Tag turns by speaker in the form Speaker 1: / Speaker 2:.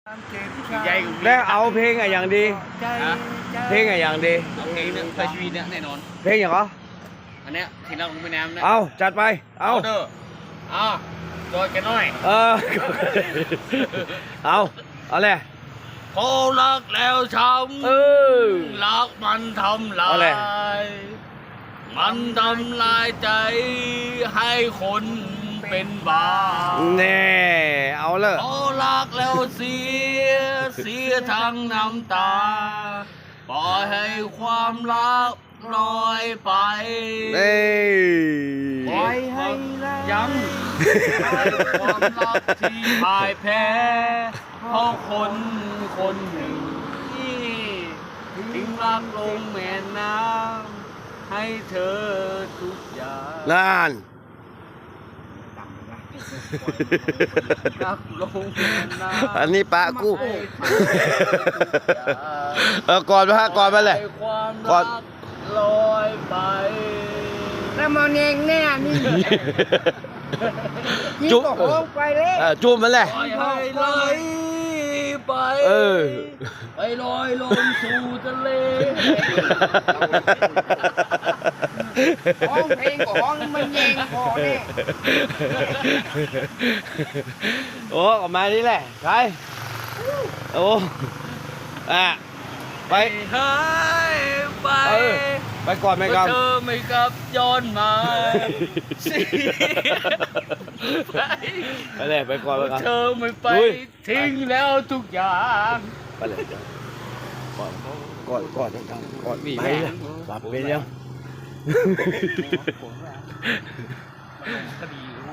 Speaker 1: แล้วเอาเพลงอะอย่างดี เพลงอะอย่างดี
Speaker 2: เอาเพลงเนี่ยไปชีวิตเนี่ยแน่นอน
Speaker 1: เพลงอย่างเหรอ
Speaker 2: อันเนี้ยที่เราลงไปน้ำเนี่ย
Speaker 1: เอาจัดไปเอา
Speaker 2: เด้อจอยแกน้อย
Speaker 1: เอาเลย
Speaker 2: เขารักแล้วช้
Speaker 1: เออ
Speaker 2: ำรักมันทำลา
Speaker 1: เอาเลย
Speaker 2: ยมันทำลายใจให้คนเป็นบ้า
Speaker 1: แน่เอาเลย
Speaker 2: เขารักแล้วเสียทั้งน้ำตาปล่อยให้ความรักลอยไป
Speaker 1: เอ้ย
Speaker 2: ปล่อยให้ยังให้ความรักที่พ่ายแพ้เพราะคนหนึ่งที่ทิ้งรักลงแม่น้ำให้เธอทุกอย่าง
Speaker 1: นั่น
Speaker 2: รักลงแม่น้ำ
Speaker 1: อันนี้ปะกู
Speaker 2: ให้เธอทุกอย่าง
Speaker 1: ก่อนมาฮะก่อนมาเลย
Speaker 2: ให้ความ
Speaker 1: ก่อ
Speaker 2: รั
Speaker 1: น
Speaker 2: กลอยไป
Speaker 3: แล้วมันเองแน่นี่
Speaker 1: จุ๊บ
Speaker 3: โค้งไปเลย
Speaker 1: จุ๊บมันเลย
Speaker 2: ปล่อยให้ไหลไป
Speaker 1: เออ
Speaker 2: ไปลอยลงสู่ทะเล
Speaker 3: ห้องเพลงกับห้องมันเองพอเนี่ย
Speaker 1: โอ้ออกมานี่แหละใครโอ้ไป
Speaker 2: หายไป
Speaker 1: เออไปก่อนไหมครับ
Speaker 2: เธอไม่กลับย้อนมาสิ
Speaker 1: ไปเลยไปก่อนไปก่อน
Speaker 2: เธอไม่ไป
Speaker 1: ลุย
Speaker 2: ทิ้งแล้วทุกอย่าง
Speaker 1: ไปเลยก่อนก่อนไปเลยหลับไปยัง
Speaker 2: คดี